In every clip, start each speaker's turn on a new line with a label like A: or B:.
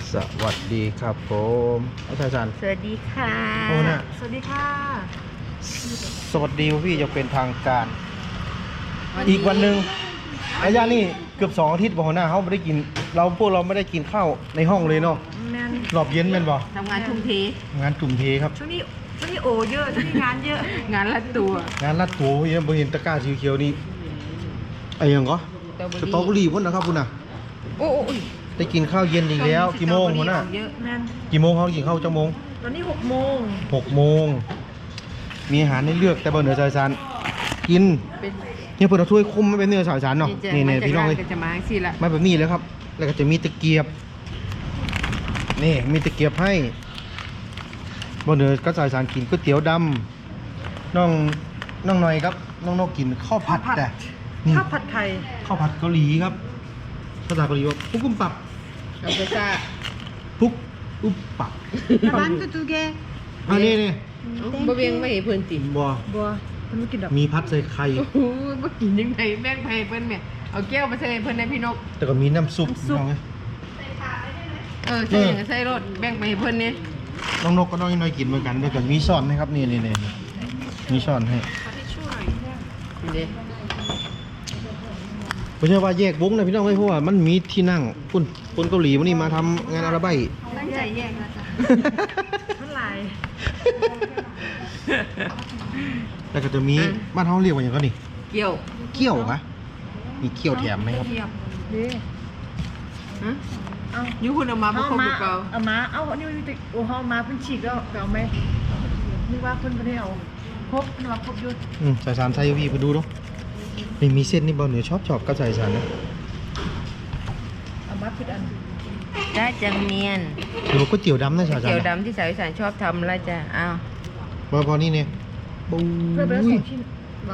A: สวัสดีครับผมอาจารย์
B: สวัสดีค่ะ
A: โอ้น่ะ
B: สวัสดีค่ะ
A: สวัสดีพี่จะเป็นทางการ อีกวันหนึ่งระยะนี่เกือบ2 อาทิตย์บ่หัวหน้าเขาไม่ได้กินพวกเราไม่ได้กินข้าวในห้องเลยเนาะ
B: แมน
A: รอบเย็นแม่นบ่
B: ทำงานทุ่มเท
A: งานจุ่มเทครับ
B: ช่วงนี้โอเยอะช่วงนี้งานเยอะ งานละตัว
A: งานลัดตัวเยอะบ่เห็นตะกร้าสีเขียวนี่ไอ้หยังก็สตรอเบอรี่พุ่นนะครับพุ่นน่ะ
B: โอ้ย
A: ได้กินข้าวเย็นอีกแล้วกี่โมงหัวหน้า
B: เยอะแมน
A: กี่โมงเขากินข้าวจังโมง
B: ตอนนี้6 โมง
A: 6 โมงมีอาหารให้เลือกแต่บ่เหนือสายสารกิน
B: เป็น
A: เนี่ยเพิ่นเอาถ้วยคุมไม่เป็นเนื้อสายสารเนาะนี่ๆพี่น้องเอ้ย
B: ก็จะมาสิละ
A: มาแบบนี้แล้วครับ แล้วก็จะมีตะเกียบ นี่มีตะเกียบให้บนเหนือก็สายสารกินก๋วยเตี๋ยวดำน้องหน่อยครับ น้องนกกินข้าวผัดแต่นี่
B: ข้าวผัดไทย
A: ข้าวผัดเกาหลีครับ ภาษาเกาหลีว่าพุกอุ้มปับ
B: กับเบซ่า
A: พุกอุ้มปับ
B: ร้านตู้แก
A: อันนี้นี่
B: บ่เวียงไม่เห็นเพิ่นติ
A: บัว
B: บัวเพิ่นไม่กินดอก
A: มีพัดใส่ไข่
B: โอ้ยบ่กินยังไงแบ่งไปเพิ่นแม่เอาแก้วมาใส่เพิ่นในพี่นก
A: แต่ก็มีน้ำซุปน้องไง
B: ใส่อย่างใส่รถแบ่งไปให้เพิ่นนี่
A: น้องนกก็น้องน้อยกินเหมือนกันแล้วก็มีช้อนนะครับนี่มีช้อนให้
B: เด้
A: ไม่ใช่ว่าแยกวงนะพี่น้องไม่เพราะว่ามันมีที่นั่งคนเกาหลีวันนี้มาทำงานอาราไบ
B: ตั้งใจแยกนะจ๊ะมันหลาย
A: แล้วก็จะมีบ้านเขาเรียกว่าอย่างก็นี่
B: เกี่ยว
A: เกี้ยวคะมีเกี้ยวแถมไหมครับ
B: ดีฮะเอาอยู่คุณเอามาบ่ครบหรือเปล่า
C: เอามาเอาอันนี้อยู่ติโอ้เฮามาเพิ่นฉีกแล้วเอาไหมนึกว่าเพิ่นบ่ได้เอาครบเพิ่นว่าครบอยู่
A: สายสารไทยพี่ไปดูเนาะนี่มีเส้นนี่บอลเหนือชอบกับสายสารนะ
C: เอามาผิดอัน
B: ได้จังเมียน
A: หรือว่าก๋วยเตี๋ยวดำนะสายสาร
B: เกี่ยวดำที่สาวอีสานชอบทำแล้วจ้ะอ้าว
A: พอนี่เนี่ยปุ้
C: เพื่อไปแล้ว
A: ย
C: 2 ชิ้นบ่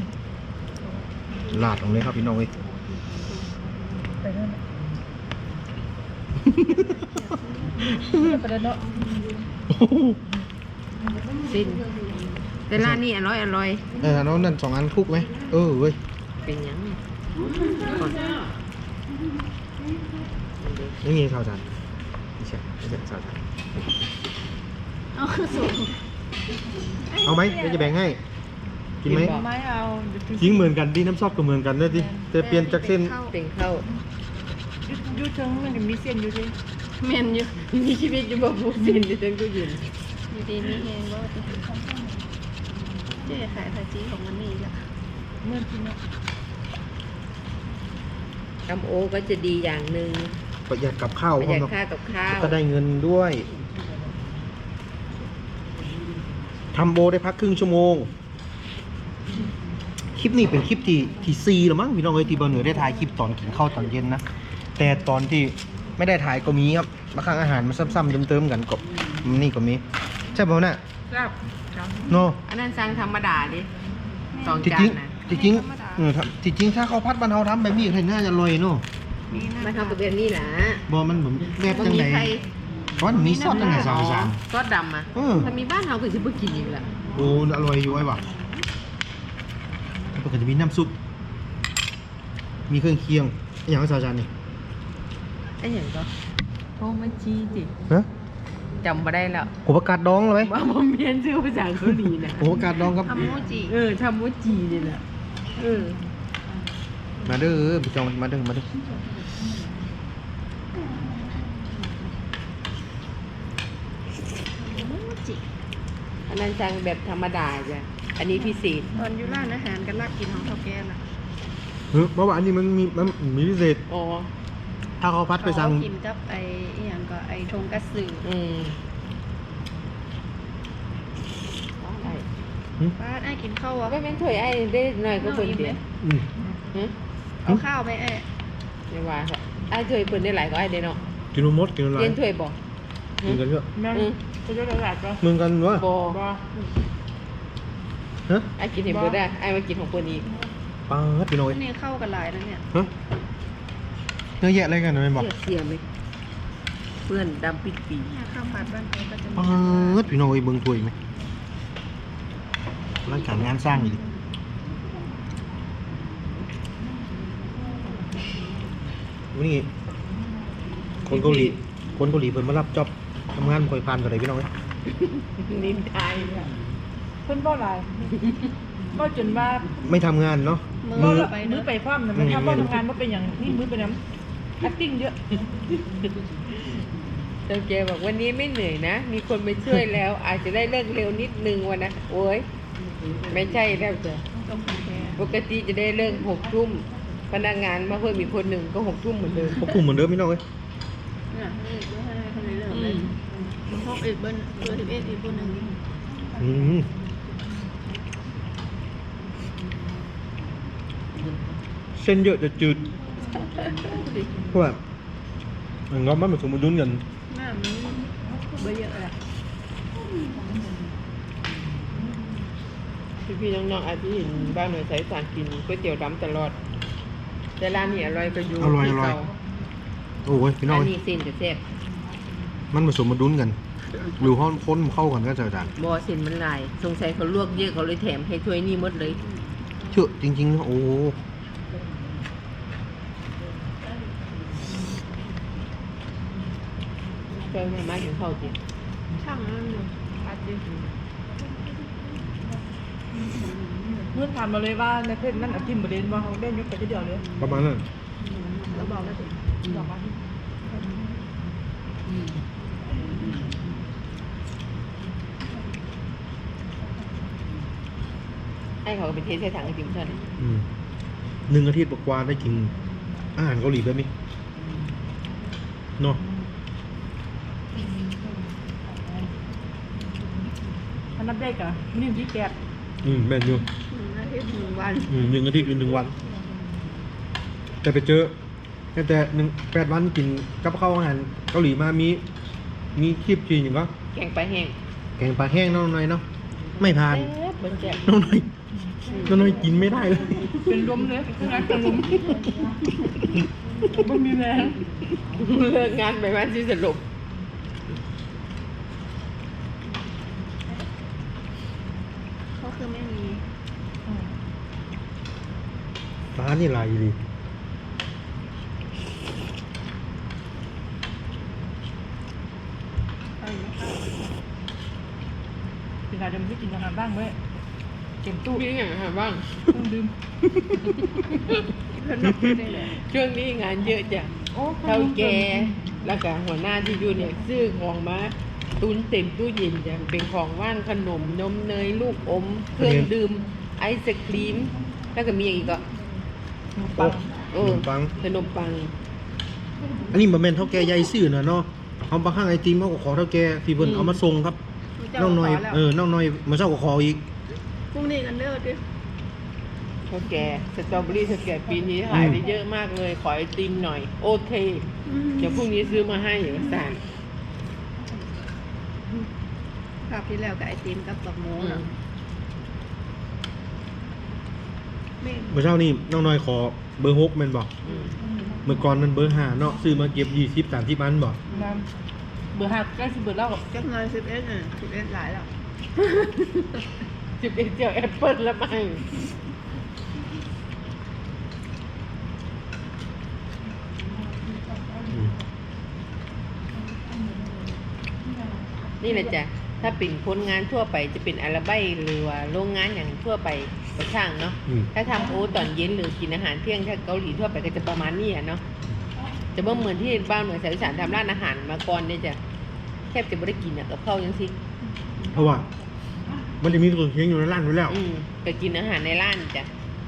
A: ลาดตรงนี้ครับพี่น้องเว้ย
C: ไปนั่นน่ะไปแล้วเนาะ
B: สิ้นแต่ร้านนี้อร่อย
A: น้องนั่น2 อันคุกไหมเว้ย
B: เป็นหยัง
A: นี่ไงสายสารไม่ใช่สายสาร
C: เอาสูง
A: เอาไหมเดี๋ยวจะแบ่งให้กินไหม
C: ไม่เอาเดี๋ยวถึง
A: ทิ้งเหมือนกันดีน้ำซอกก็เหมือนกันเลยดิแต่เปลี่ยนจากเส้น
B: เป็นข้าว
C: อยู่ถึงมันจะมีเส้นอยู่ดิ
B: แม่นอยู่มีชีวิตอยู่บ่ผู้สิ้นอยู่จังก็ยืน
D: อยู่ดีมีเองว่าจะเจ๊ขายภาษีของมันนี่ละ
C: เหมือนที่เนาะ
B: ทำโอก็จะดีอย่างหนึ่ง
A: ประหยัดกับข้าว
B: ประหยัดค่ากับข้าว
A: ก็ได้เงินด้วยทำโบได้พักครึ่งชั่วโมง คลิปนี้เป็นคลิปที่4หรือมั้งพี่น้องเอ้ยที่บอลเหนือได้ถ่ายคลิปตอนกินข้าวตอนเย็นนะแต่ตอนที่ไม่ได้ถ่ายก็มีครับบางครั้งอาหารมันซ้ำๆเติมๆกันก็นี่ก็มีใช่ป่ะน่ะ
C: ครับครับ
A: โน
B: อันนั้นสั่งธรรมดาดิสอง
A: จริง
B: จานนะ
A: ๆจริงๆจริงๆถ้าเขาพัดบ้านเฮาทำแบบนี้เห็นน่าจะอร่อยเนาะ
B: มาทำแบบนี้นะ
A: บอมันเหมือนแบบ
B: บ่
A: จัง
B: มี
A: ไหน
B: ใคร
A: เพราะมันมีซอสตั้งแต่สาม
B: ซอสดำอ่ะ
A: เออ
B: ถ้ามีบ้านเฮาก็สิบ่กินอีกละ
A: โอ้อร่อยอยู่ไอ้บ่ะแล้วก็จะมีน้ำซุปมีเครื่องเคียงอย่างไรสาวจานนี่
B: ไอ้หยังก็โอ้มันจีจิ
A: ฮะ
B: จำบ่ได้แล้ว
A: หัวประกาศดองเลยไหม
B: ว่าบ่เมียนชื่อภาษาเกาหลีนะ
A: หัวประกาศดองครับ
D: ทำโมจิ
B: ทำโมจินี่แหละเออ
A: มาเด้อพี่จองมาเด้อ
B: อันนั้นสั่งแบบธรรมดาจ้ะอันนี้พิเศษ
D: ตอนอยู่ร้านอาหารกันลากกินของเท่าแก่น่ะ
A: เพราะว่าอันนี้มันมีพิเศษ
B: อ๋อ
A: ถ้าเขาพัดไปสั่ง
D: เขากินกับไอ้อหย่างก็ไอ้ทงกัตสึ
B: ได้
D: ป้าไอ้กินข้าวอ่ะ
B: ไม่เป็นถ้วยไอ้ได้หน่อยก็เพิ่นเดียว
A: อืม
B: ฮะ
D: เอาข้าวไหมไอ้
B: ไม่ว่าค่ะไอ้ถ้วยเพิ่นได้หลายก็ไอ้ได้เนาะ
A: กินหมดกินอะไร
B: เรียนถ้วยบ่
A: กินกันเยอะ
C: แม่จะได้หลายก็
A: มึงกันวะ
B: บ่
C: บ่
A: ฮะ
B: ไอ้กินเห็นเพิ่นได้ไอ้มากินของเพิ่นอีก
A: ปาดพี่น้อย
D: นี่เข้ากันหลายนะเนี่ย
A: ฮะเยอะแยะอะไรกันไม่บอก
B: เสียไหมเพื่อนดำปิดปี
D: เนี่ยข้าวผัดบ้านเขาก็จะมี
A: ปาดพี่น้อยเบิ่งถ้วยไหมร่างกายงานสร้างอีกวันนี้คนเกาหลีคนเกาหลีเพิ่นมารับจ็อบทำงานบ่ค่อยผ่านเท่าไหร่พี่น้องเอ้ย
B: นินทาย
C: เพิ่นบ่หลายบ่จนว่า
A: ไม่ทำงานเนาะ
D: มื
A: มื
D: อ
A: อ
D: ไป
C: มื
D: เนาะ
C: อไปพร้อมนะมันทำบ่ทำงานบ่เป็นอย่างนี่มือไปน้ำ acting เยอะ
B: เจ้าแกบอกวันนี้ไม่เหนื่อยนะ มีคนมาช่วยแล้ว อาจจะได้เลิกเร็วนิดนึงวันนะโอ้ยไม่ใช่แล้วจ้ะ
D: ต้องแพ้
B: ปกติจะได้เลิก6 ทุ่มพนักงานมาเพิ่มอีกคนหนึ่งก็6 ทุ่มเหมือนเดิม
A: พวกกลุ่มเหมือนเดิมพี่น้องเอ้ย
D: น่ะนี่ดูให้คนในเรื่องเลยพวกอีกเบิ้ลเบอร์11อีกคนหนึ่ง
A: อืมเส้นเยอะจะจืดเพราะว่ามันก็มันผสมดุลกัน
D: หน้ามันเบอร์เยอะเลย
B: พี่ๆน้องๆอาจจะเห็นบ้านหน่วยสายสารกินก๋วยเตี๋ยวดำตลอด แต่ร้านนี้อร่อยก็อยู่ที่เก่า
A: โอ้ยพี่น้อ
B: ร้าง น
A: เอ้ย
B: นี้เส้นจะแซ่บ
A: มันผสมดุลกันหรือห้องค้นเข้ากันก็จะอาจารย์
B: บอเส้นมันหลายสงสัยเขาลวกเยอะเขาเลยแถมให้ถ้วยนี้หมดเลย
A: เชื่อจริงๆนะโอ้
B: เจ้ามาถึงเข้าจิ
D: ช่างนั้นอยู่อาจจะ
C: เมื่อถามมาเลยว่าในเพจนั้นเอาทิมบ่เด่นว่าเขาได้ยกไปทีเดียวเลย
A: ประมาณนั้น
D: แล้วบอกว่า
C: บอกมา
B: ให้เขาไปเทใส่ถังไอติมเท่านั้น
A: อืม1 อาทิตย์กว่าๆได้กินอาหารเกาหลีแบบนี้เนาะ
C: อันนับได้กะนี่ที่แกะ
A: แม่นอยู่
D: อาทิตย์1 วัน
A: 1 อาทิตย์หรือ1 วัน แต่ไปเจอแต่8 วันกินกับข้าวอาหารเกาหลีมามีคลิปจีนอย่างก็
B: แกงปลาแห้ง
A: แกงปลาแห้งน้องหน่อยเนาะไม่ผ่าน
B: แซ่บเบิ้ลแซ่บ
A: น้องหน่อยกินไม่ได้เลย
C: เป็นลมเลยเป็นงานเป็นลมไม่มีแรง
B: เลิกงานไปบ้านที่สรุป
D: เขาคือไม่มี
A: ร้านนี่ลายดี
C: เป็นการจะไม่กินอาหารบ้างเว้ยเก็บตู้
B: มีอย่างไรบ้าง
C: ต้องดื่ม
D: เพื่อนนับไม่ได้เลย
B: ช่วงนี้งานเยอะจ้ะ
C: โอ้
B: เท่าแกแล้วก็หัวหน้าที่อยู่เนี่ยซื้อของมาตุนเต็มตู้เย็นจ้ะเป็นของว่างขนมนมเนยลูกอม เครื่องดื่มไอศครีม แล้วก็มีอย่างอีกก็
A: โอ้
B: เอ
A: ข
B: อน
A: มปัง
B: ขนมปัง
A: อันนี้บ่แม่นเท่าแก่ใหญ่ซื่อนะเนาะเอาบางครั้งไอติมเขาก็ขอเท่าแก่ที่เพิ่นเอามาส่งครับน้องหน่อยน้องหน่อยมาเช้าก็ขออีก
D: พรุ่งนี้กันเด้อดิ
B: เท่าแกสตรอเบอรี่เท่าแกปีนี้ขายได้เยอะมากเลย ขอไอติมหน่อย โอเค เดี๋ยวพรุ่งนี้ซื้อมาให้อยู่สาร
D: คราวที่แล้วกับไอติมกับปักโมงอะไม่
A: เมื่อเช้านี่น้องน้อยขอเบอร์6แม่นบ่เมื่อก่อนมันเบอร์5เนาะซื้อมาเก็บ20 30อันบ่
C: น้ำเบอร์5ใกล้สิเบอร์เล่า
D: จักหน่อย11น่ะ11หลายแล้ว
B: 11เจียวแอปเปิ้ลแล้วมั้งนี่แหละจ้ะ ถ้าเป็นคนงานทั่วไปจะเป็นอาราไบหรือว่าโรงงานอย่างทั่วไปก็ช่างเนาะ
A: อืม
B: ถ้าทำโอตอนเย็นหรือกินอาหารเที่ยงถ้าเกาหลีทั่วไปก็จะประมาณนี้อะเนาะ จะบ่เหมือนที่บ้านเหมือนสายอีสานทำร้านอาหารมาก่อนเนี่ยจ้ะแทบจะไม่ได้กินอะกับข้าวยังสิ
A: เพราะว่ามันจะมีเครื่องเคียงอยู่ในร้านอยู่แล้ว
B: ก็กินอาหารในร้านจ้ะ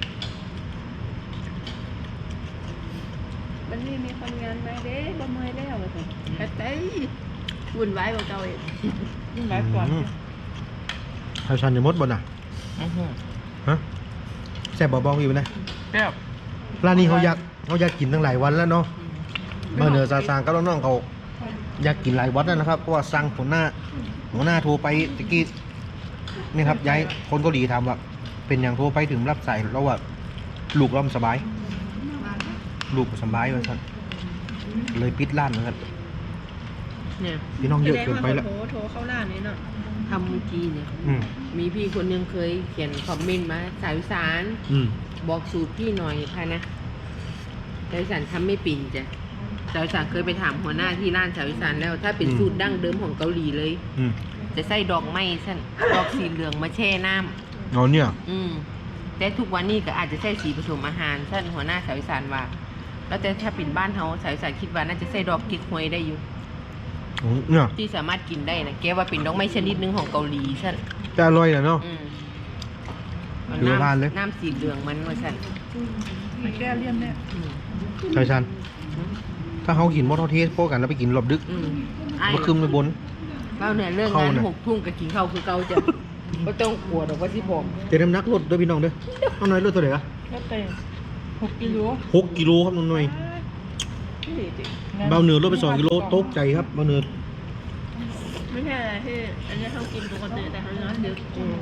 D: วันนี้มีคนงานมาเด้บ่เมื่อยแล้วว่าซั่นแต่เต้ยวุ่นวายกว่าเก่าอีก
C: ยิ่งหลายก่อน
A: ไทยชันจะหมดบ่น่ะฮะแซ่บบ่บอกอยู่นะ
C: แซ่บ
A: ร้านนี้เขาอยากกินตั้งหลายวันแล้วเนาะมาเหนือซาซางกับน้องๆเขาอยากกินหลายวันแล้วนะครับเพราะว่าสั่งหัวหน้าโทรไปตะกี้นี่ครับย้ายคนเกาหลีถามว่าเป็นอย่างโทรไปถึงรับสายแล้วว่าลูกเราสบาย ลูกสบายว่าซั่นเลยปิดร้านนะครับ
B: เนี่ย
A: พี่น้องเยอะเกินไปแล้ว
D: โทรเข้าร้านนี้เนาะ
B: ทำเมื่อกี้เนี่ย
A: อืม
B: มีพี่คนหนึงเคยเขียนคอมเมนต์มาสายอีสาน
A: อืม
B: บอกสูตรพี่หน่อยค่ะนะสายอีสานทำไม่ปิ่นจ้ะสาวอีสานเคยไปถามหัวหน้าที่ร้านสาวอีสานแล้ว ถ้าเป็นสูตรดั้งเดิมของเกาหลีเลย
A: อืม
B: จะใส่ดอกไม้สั้นดอกสีเหลืองมาแช่น้ำ
A: เอาเนี่ย
B: แต่ทุกวันนี้ก็อาจจะใส่สีผสมอาหารสั้นหัวหน้าสาวอีสานว่า แล้วแต่ถ้าเป็นบ้านเฮาสาวอีสานคิดว่าน่าจะใส่ดอกเก๊กฮวยได้อยู่
A: โอ้เนี่ย
B: ที่สามารถกินได้นะแกว่าเป็นดอกไม้ชนิดหนึงของเกาหลีสั้น
A: จะอร่อยนะเนาะ
B: เอา
A: เหลือบ้านเลย
B: น้ำสีเหลืองมันว่าสั้น
C: มันแก้เลี่ยนเนี่ย
A: ใช่ชันถ้าเขากินมอเตอร์เทสพวกกันแล้วไปกินรอบดึก
B: ไอ้
A: มาคืมไปบน
B: เราเนี่ยเรื่อง
A: เข้าง
B: าน
A: น่ะ
B: 6 ทุ่มก็กินข้าวคือเก่าจ้ะ ก็ต้องกลัวดอกว่าสิผม
A: เดี๋ยวน้ำหนักลดด้วยพี่น้องเด้อน้องน้อยลดตัวไหนอะ
C: แล้วแต่6 กิโล
A: 6 กิโลครับน้องน้อยเบาเหนือลดไป2 กิโลตกใจครับเบาเหนือ
D: ไม่ใช่อะไรที่อันนี้เขากินปกติแต่เขาน้อยดึก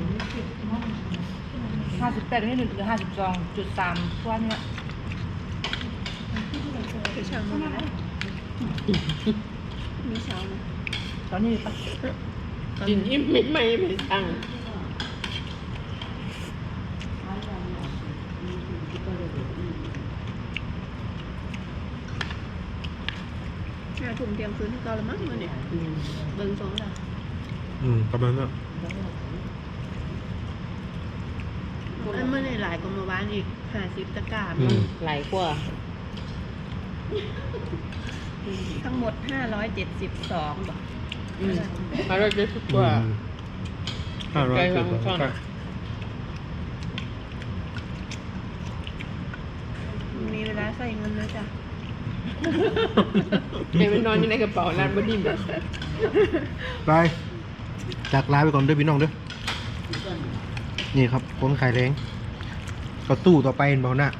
C: 58นี่1 52.3ตัวเนี่ย
D: คือช่างมันนะมีเช้าไหม
C: ตอนนี้ปะ
B: กินอิ่มไม่สั่ง
D: 5 ทุ่มเที่ยงคืนที่เก่าแล้วมั้งมื่อเนี่ยเบิ่งสองแล้ว
A: ประมาณนั้น
D: อันเมื่อในหลายกว่าเมื่อวานอีก50 ตะกร้า
B: หลายกว่า
D: ทั้งหมด572บาท
B: มาเราจะสุดกว่า
A: 500
B: ไกลฟังช่อน
D: มีเวลาใส่เงินเลยจ้ะ
B: เดี๋ยวไปนอนอยู่ในกระเป๋าร้านบดิ้มแบบ
A: ไปจากลาไปก่อนด้วยพี่น้องเด้อนี่ครับคนขายแรงก็ตู้ต่อไปเบาหน้า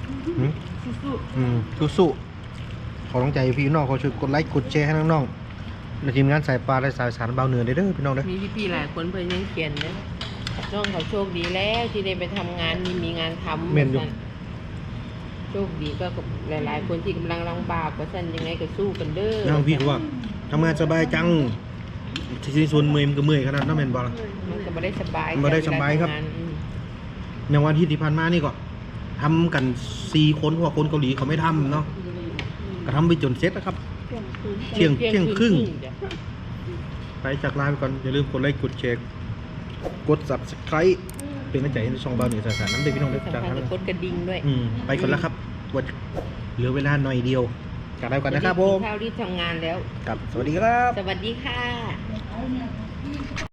A: สู้ๆขอต้องใจพี่น้องขอช่วยกดไลค์กดแชร์ให้น้องๆและทีมงานสายปลาและสายสารเบาเหนือเด้อพี่น้องเด้อ
B: มีพี่ๆหลายคนเพิ่นยังเขียนนะน้องเขาโชคดีแล้วที่ได้ไปทำงานมีงานทำ
A: แม่นอยู่
B: โชคดีก็กับหลายๆ คนที่กำลังลำบากว่าซั่นยังไงก็สู้กันเด้อ
A: น้องพี่เขาว่าทำงานสบายจังที่ส่วนเมื่อยมันก็เมื่อยขนาดนั้นแม่นบ่ล่ะ
B: มันก็บ่ได้สบาย
A: บ่ได้สบายครับ
B: เวลทำงน
A: อย่างวันที่ผ่านมานี่ก็ทำกัน4 คนเพราะว่าคนเกาหลีเขาไม่ทำเนาะก็ทำไปจนเสร็จนะครับ เที่ยงครึ่ง
B: จ้ะ
A: ไปจากลาไปก่อนอย่าลืมกดไลค์กดแชร์กด Subscribe เป็นกำลังใจให้ช่องเบาเหนือสายสารน้ำเด้อพี่น้องเด้อ
B: สำ
A: จาก
B: คัญ
A: ทาง
B: ก็กดกระดิ่งด้วย
A: ไปก่อนแล้วครับวันเหลือเวลาหน่อยเดียวจากลาไปก่อนนะครับผม
B: กิข้าวรีบทำงานแล้ว
A: ครับสวัสดีครับ
B: สวัสดีค่ะ